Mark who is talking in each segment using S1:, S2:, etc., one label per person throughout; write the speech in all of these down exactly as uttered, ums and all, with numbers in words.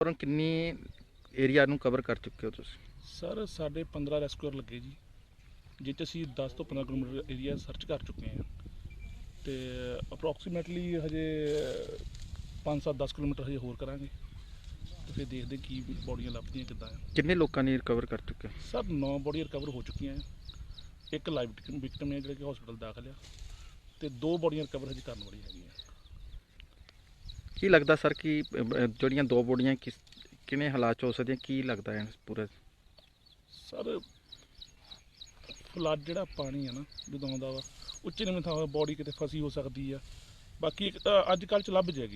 S1: ਔਰ ਕਿੰਨੀ ਏਰੀਆ ਨੂੰ ਕਵਰ ਕਰ ਚੁੱਕੇ ਹੋ ਤੁਸੀਂ?
S2: ਸਰ ਸਾਡੇ ਪੰਦਰਾਂ ਰੈਸਕਿਊਅਰ ਲੱਗੇ ਜੀ, ਜਿਹ 'ਚ ਅਸੀਂ ਦਸ ਤੋਂ ਪੰਦਰਾਂ ਕਿਲੋਮੀਟਰ ਏਰੀਆ ਸਰਚ ਕਰ ਚੁੱਕੇ ਹਾਂ ਅਤੇ ਅਪਰੋਕਸੀਮੇਟਲੀ ਹਜੇ ਪੰਜ ਸੱਤ ਦਸ ਕਿਲੋਮੀਟਰ ਹਜੇ ਹੋਰ ਕਰਾਂਗੇ ਅਤੇ ਫਿਰ ਦੇਖਦੇ ਕੀ ਬੋਡੀਆਂ ਲੱਭਦੀਆਂ ਕਿੱਦਾਂ ਆ।
S1: ਕਿੰਨੇ ਲੋਕਾਂ ਨੇ ਰਿਕਵਰ ਕਰ ਚੁੱਕੇ?
S2: ਸਰ ਨੌ ਬੋਡੀਆਂ ਰਿਕਵਰ ਹੋ ਚੁੱਕੀਆਂ ਆ, ਇੱਕ ਲਾਈਵ ਵਿਕਟਮ ਹੈ ਜਿਹੜੇ ਕਿ ਹਸਪੀਟਲ ਦਾਖਲ ਆ, ਅਤੇ ਦੋ ਬੋਡੀਆਂ ਰਿਕਵਰ ਹਜੇ ਕਰਨ ਵਾਲੀ ਹੈਗੀਆਂ।
S1: ਕੀ ਲੱਗਦਾ ਸਰ ਕਿ ਜਿਹੜੀਆਂ ਦੋ ਬੋਡੀਆਂ ਕਿਸ ਕਿਵੇਂ ਹਾਲਾਤ 'ਚ ਹੋ ਸਕਦੀਆਂ, ਕੀ ਲੱਗਦਾ ਹੈ ਪੂਰਾ?
S2: ਸਰ ਫਲੱਡ ਜਿਹੜਾ ਪਾਣੀ ਆ ਨਾ ਜਦੋਂ ਆਉਂਦਾ ਵਾ ਉੱਚੇ ਨੀਵੇਂ ਥਾਂ ਬੋਡੀ ਕਿਤੇ ਫਸੀ ਹੋ ਸਕਦੀ ਆ, ਬਾਕੀ ਇੱਕ ਤਾਂ ਅੱਜ ਕੱਲ੍ਹ 'ਚ ਲੱਭ ਜਾਏਗੀ।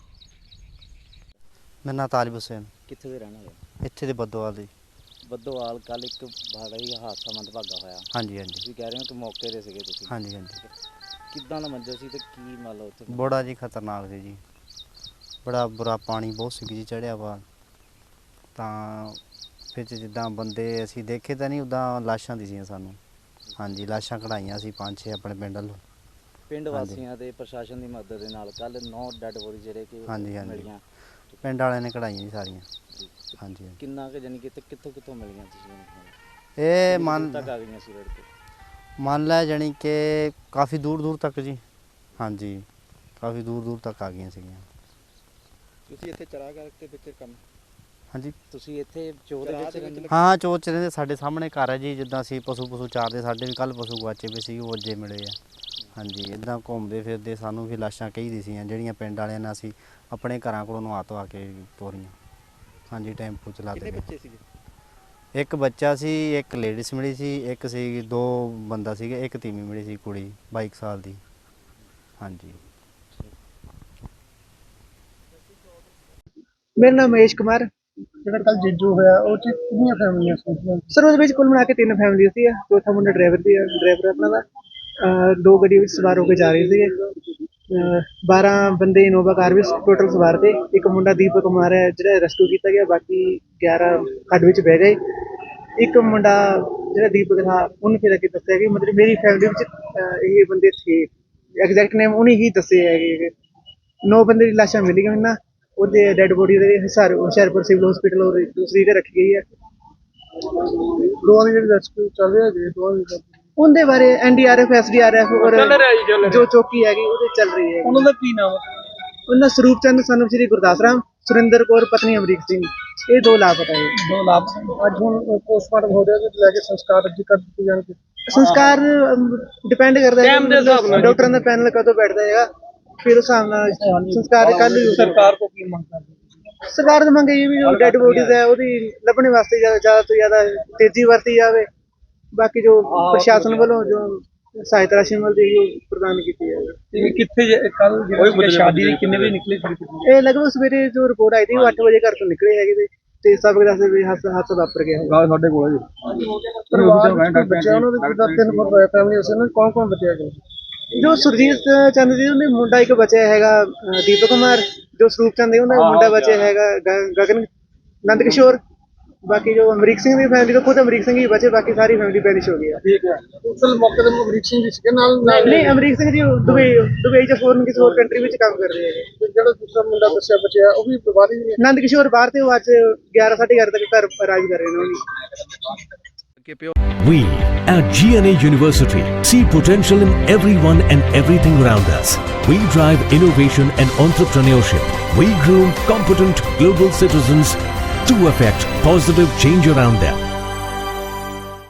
S3: ਮੇਰਾ ਨਾਂ ਤਾਲਿਬ ਹੁਸੈਨ,
S4: ਕਿੱਥੇ ਦੇ ਰਹਿਣ ਵਾਲੇ?
S3: ਇੱਥੇ ਦੇ ਬੱਦੋਵਾਲ ਦੇ।
S4: ਬੱਦੋਵਾਲ। ਕੱਲ ਇੱਕ ਬੜਾ ਹੀ ਹਾਦਸਾ ਮੰਦਭਾਗਾ ਹੋਇਆ।
S3: ਹਾਂਜੀ ਹਾਂਜੀ
S4: ਤੁਸੀਂ ਕਹਿ ਰਹੇ ਹੋ ਕਿ ਮੌਕੇ 'ਤੇ ਸੀਗੇ ਤੁਸੀਂ?
S3: ਹਾਂਜੀ ਹਾਂਜੀ।
S4: ਕਿੱਦਾਂ ਦਾ ਮੰਜ਼ਰ ਸੀ ਤੇ ਕੀ ਮੰਨ ਲਓ ਉੱਥੇ?
S3: ਬੜਾ ਜੀ ਖਤਰਨਾਕ ਸੀ ਜੀ, ਬੜਾ ਬੁਰਾ ਪਾਣੀ ਬਹੁਤ ਸੀ ਜੀ ਚੜ੍ਹਿਆ ਵਾ, ਤਾਂ ਵਿੱਚ ਜਿੱਦਾਂ ਬੰਦੇ ਅਸੀਂ ਦੇਖੇ ਤਾਂ ਨਹੀਂ, ਉੱਦਾਂ ਲਾਸ਼ਾਂ ਦਿਸੀਆਂ ਸਾਨੂੰ। ਹਾਂਜੀ, ਲਾਸ਼ਾਂ ਕਢਾਈਆਂ ਸੀ ਪੰਜ ਛੇ ਆਪਣੇ ਪਿੰਡ ਵੱਲੋਂ।
S4: ਪਿੰਡ ਵਾਸੀਆਂ ਤੇ ਪ੍ਰਸ਼ਾਸਨ ਦੀ ਮਦਦ ਦੇ ਨਾਲ ਕੱਲ ਨੌ ਡੈੱਡ ਬੋਡੀ ਜਿਹੜੇ ਕਿ
S3: ਹਾਂਜੀ ਹਾਂਜੀ
S4: ਮਿਲੀਆਂ,
S3: ਪਿੰਡ ਵਾਲਿਆਂ ਨੇ ਕਢਾਈਆਂ ਜੀ ਸਾਰੀਆਂ।
S4: ਜੀ।
S3: ਹਾਂਜੀ
S4: ਕਿੰਨਾ ਕੁ ਜਾਨੀ ਕਿ ਤੇ ਕਿੱਥੋਂ ਕਿੱਥੋਂ ਮਿਲੀਆਂ ਤੁਸੀਂ?
S3: ਇਹ
S4: ਕਿੰਨੀ
S3: ਮੰਨ
S4: ਦੂਰ ਤੱਕ ਆ ਗਈਆਂ ਸੀ ਰੋਡ ਤੇ?
S3: ਮੰਨ ਲੈ ਜਾਣੀ ਕਿ ਕਾਫੀ ਦੂਰ ਦੂਰ ਤੱਕ ਜੀ। ਹਾਂਜੀ, ਕਾਫੀ ਦੂਰ ਦੂਰ ਤੱਕ ਆ ਗਈਆਂ ਸੀਗੀਆਂ।
S4: ਤੁਸੀਂ ਇੱਥੇ ਚਰਾਗਾਹ ਦੇ ਵਿੱਚ ਕੰਮ?
S3: ਹਾਂਜੀ,
S4: ਤੁਸੀਂ ਇੱਥੇ ਚੋਰ ਦੇ ਵਿੱਚ ਰਹਿੰਦੇ?
S3: ਹਾਂ ਚੋਰ ਚ ਰਹਿੰਦੇ। ਸਾਡੇ ਸਾਹਮਣੇ ਘਰ ਹੈ ਜੀ, ਜਿੱਦਾਂ ਅਸੀਂ ਪਸ਼ੂ ਪਸ਼ੂ ਚਾਰਦੇ, ਸਾਡੇ ਵੀ ਕੱਲ੍ਹ ਪਸ਼ੂ ਗੁਆਚੇ ਪਏ ਸੀ, ਉਹ ਅੱਜੇ ਮਿਲੇ ਆ। ਹਾਂਜੀ, ਇੱਦਾਂ ਘੁੰਮਦੇ ਫਿਰਦੇ ਸਾਨੂੰ ਵੀ ਲਾਸ਼ਾਂ ਕਈ ਦਿਸੀਆਂ, ਜਿਹੜੀਆਂ ਪਿੰਡ ਵਾਲਿਆਂ ਨੇ ਅਸੀਂ ਆਪਣੇ ਘਰਾਂ ਕੋਲੋਂ ਨਵਾ ਧਵਾ ਕੇ ਤੋਰੀਆਂ। ਹਾਂਜੀ, ਟੈਂਪੂ ਚਲਾਤੇ।
S4: ਕਿੰਨੇ ਬੱਚੇ ਸੀਗੇ?
S3: ਇੱਕ ਬੱਚਾ ਸੀ, ਇੱਕ ਲੇਡੀਜ਼ ਮਿਲੀ ਸੀ, ਇੱਕ ਸੀ ਦੋ ਬੰਦਾ ਸੀਗੇ, ਇੱਕ ਤੀਵੀਂ ਮਿਲੀ ਸੀ ਕੁੜੀ ਬਾਈ ਕੁ ਸਾਲ ਦੀ। ਹਾਂਜੀ।
S5: ਮੇਰਾ ਨਾਮ ਮਹੇਸ਼ ਕੁਮਾਰ।
S6: ਜਿਹੜਾ ਕੱਲ ਜੀਜੂ ਹੋਇਆ ਉਹ ਚ ਕਿੰਨੀਆਂ ਫੈਮਲੀਆਂ ਸੀ?
S5: ਸਰ ਉਹਦੇ ਵਿੱਚ ਕੁੱਲ ਮਿਲਾ ਕੇ ਤਿੰਨ ਫੈਮਿਲੀ ਸੀ। ਚੌਥਾ ਮੁੰਡਾ ਡਰਾਈਵਰ ਦੀ ਡਰਾਈਵਰ ਆਪਣਾ ਦਾ। ਅਹ ਦੋ ਗੱਡੀ ਵਿੱਚ ਸਵਾਰ ਹੋ ਕੇ ਜਾ ਰਹੇ ਸੀਗੇ। ਬਾਰਾਂ ਬੰਦੇ ਇਨੋਵਾ ਕਾਰ ਵਿੱਚ ਟੋਟਲ ਸਵਾਰ ਤੇ। ਇੱਕ ਮੁੰਡਾ ਦੀਪਕ ਕੁਮਾਰ ਹੈ ਜਿਹੜਾ ਰੈਸਕਿਊ ਕੀਤਾ ਗਿਆ, ਬਾਕੀ ਗਿਆਰਾਂ ਖੱਡ ਵਿੱਚ ਬਹਿ ਗਏ। ਇੱਕ ਮੁੰਡਾ ਜਿਹੜਾ ਦੀਪਕ ਥਾ ਉਹਨੂੰ ਫਿਰ ਅੱਗੇ ਦੱਸਿਆ ਕਿ ਮਤਲਬ ਮੇਰੀ ਫੈਮਿਲੀ ਵਿੱਚ ਇਹ ਬੰਦੇ ਥੇ, ਐਗਜ਼ੈਕਟ ਨੇਮ ਉਹਨੇ ਹੀ ਦੱਸੇ ਹੈਗੇ। ਨੌ ਬੰਦੇ ਦੀ ਲਾਸ਼ਾਂ ਮਿਲ ਗਈਆਂ ਉਹਨਾਂ, ਉਹਦੇ ਡੈਡ ਬੋਡੀ ਦੇ ਹਿਸਾਰ ਹੁਸ਼ਿਆਰਪੁਰ ਸਿਵਲ ਹਸਪੀਟਲ ਔਰ ਦੂਸਰੀ ਤੇ ਰੱਖੀ ਗਈ ਹੈ।
S6: ਦੋਵਾਂ ਦੀ ਜਿਹੜੀ ਰੈਸਕਿਊ ਚੱਲ ਰਿਹਾ ਜੀ, ਦੋਵਾਂ ਦੀ
S5: ਉਹਦੇ ਬਾਰੇ N D R F S D R F ਔਰ ਜੋ ਚੌਕੀ ਹੈਗੀ ਉਹਦੇ ਚੱਲ ਰਹੀ ਹੈ।
S6: ਉਹਨਾਂ ਦਾ ਕੀ ਨਾਮ ਹੈ?
S5: ਉਹਨਾਂ ਸਰੂਪ ਚੰਦ ਸਨ ਸ਼੍ਰੀ ਗੁਰਦਾਸ ਰਾਮ, ਸੁਰਿੰਦਰ ਕੌਰ ਪਤਨੀ ਅਮਰੀਕ ਸਿੰਘ, ਇਹ ਦੋ ਲਾਪਤਾ ਹੈ।
S6: ਦੋ ਲਾਭ। ਅੱਜ ਹੁਣ ਪੋਸਟਮਾਰਟਮ ਹੋ ਰਿਹਾ ਤੇ ਲੈ ਕੇ ਸੰਸਕਾਰ ਅੱਜ ਕਰ ਦਿੱਤੇ ਜਾਣਗੇ।
S5: ਸੰਸਕਾਰ ਡਿਪੈਂਡ ਕਰਦਾ ਹੈ ਡਾਕਟਰਾਂ ਦਾ ਪੈਨਲ ਕਦੋਂ ਬੈਠਦਾ ਹੈਗਾ, ਫਿਰ ਉਸ ਹਿਸਾਬ ਨਾਲ ਸੰਸਕਾਰ ਕੱਲ।
S6: ਸਰਕਾਰ ਤੋਂ ਕੀ ਮੰਗ ਕਰਦੇ?
S5: ਸਰਕਾਰ ਦੀ ਮੰਗ ਇਹ ਵੀ ਜੋ ਡੈਡ ਬੋਡੀਜ਼ ਹੈ ਉਹਦੀ ਲੱਭਣ ਵਾਸਤੇ ਜ਼ਿਆਦਾ ਤੋਂ ਜ਼ਿਆਦਾ ਤੇਜ਼ੀ ਵਰਤੀ ਜਾਵੇ। ਬਾਕੀ ਜੋ ਪ੍ਰਸ਼ਾਸਨ ਵੱਲੋਂ ਜੋ ਸਹਾਇਤਾ ਰਾਸ਼ੀ ਮਿਲਦੀ ਹੈ ਉਹ ਪ੍ਰਦਾਨ ਕੀਤੀ ਜਾਵੇ।
S6: ਕਿੱਥੇ ਕੱਲ ਜਿਹੜੀ ਸ਼ਾਦੀ ਦੀ ਕਿੰਨੇ ਵਜੇ ਨਿਕਲੇ ਸੀ?
S5: ਇਹ ਲਗਭਗ ਸਵੇਰੇ ਜੋ ਰਿਪੋਰਟ ਆਈ ਸੀ ਉਹ ਅੱਠ ਵਜੇ ਘਰ ਤੋਂ ਨਿਕਲੇ ਹੈਗੇ ਤੇ ਸਭ ਦੱਸਦੇ ਵੀ ਹੱਥ ਹੱਥ ਵਾਪਰ ਗਿਆ।
S6: ਸਾਡੇ ਕੋਲ ਜੀ ਪਰਿਵਾਰ ਬੱਚਿਆਂ ਉਹਨਾਂ ਦੇ ਜਿੱਦਾਂ ਤਿੰਨ ਫੈਮਿਲੀ ਸੀ, ਉਹਨਾਂ ਕੌਣ ਕੌਣ ਬਚਿਆ ਗਿਆ?
S5: ਜੋ ਸੁਰਜੀਤ ਚੰਦ ਜੀ ਉਹਨੇ ਮੁੰਡਾ ਇੱਕ ਬਚਿਆ ਹੈਗਾ ਦੀਪਕ ਕੁਮਾਰ, ਜੋ ਸਰੂਪ ਚੰਦ ਉਹਦਾ ਮੁੰਡਾ ਬਚਿਆ ਹੈਗਾ ਗਗਨ ਨੰਦ ਕਿਸ਼ੋਰ। ਬਾਕੀ ਜੋ ਅਮਰੀਕ ਸਿੰਘ ਦੀ ਫੈਮਿਲੀ ਤੋਂ ਖੁਦ ਅਮਰੀਕ ਸਿੰਘ ਹੀ ਬਚੇ, ਬਾਕੀ ਸਾਰੀ ਫੈਮਿਲੀ ਪੈਰਿਸ਼ ਹੋ ਗਈ ਹੈ।
S6: ਠੀਕ ਹੈ। ਉਸ ਮੌਕੇ ਤੇ ਅਮਰੀਕ ਸਿੰਘ ਜੀ ਸੀਗੇ ਨਾਲ?
S5: ਨਹੀਂ, ਅਮਰੀਕ ਸਿੰਘ ਜੀ ਦੁਬਈ ਦੁਬਈ ਚ ਫੋਰਨ ਕਿਸੇ ਹੋਰ ਕੰਟਰੀ ਵਿੱਚ ਕੰਮ ਕਰ ਰਹੇ ਹੈਗੇ।
S6: ਜਿਹੜਾ ਦੂਸਰਾ ਮੁੰਡਾ ਦੱਸਿਆ ਬਚਿਆ ਉਹ ਵੀ ਬਾਹਰ ਹੀ?
S5: ਨੰਦ ਕਿਸ਼ੋਰ ਬਾਹਰ ਤੇ ਉਹ ਅੱਜ ਗਿਆਰਾਂ ਸਾਢੇ ਗਿਆਰਾਂ ਤੱਕ ਘਰ ਰਾਜ ਕਰ ਰਹੇ ਨੇ।
S7: We at G N A University see potential in everyone and everything around us. We drive innovation and entrepreneurship. We groom competent global citizens to affect positive change around them.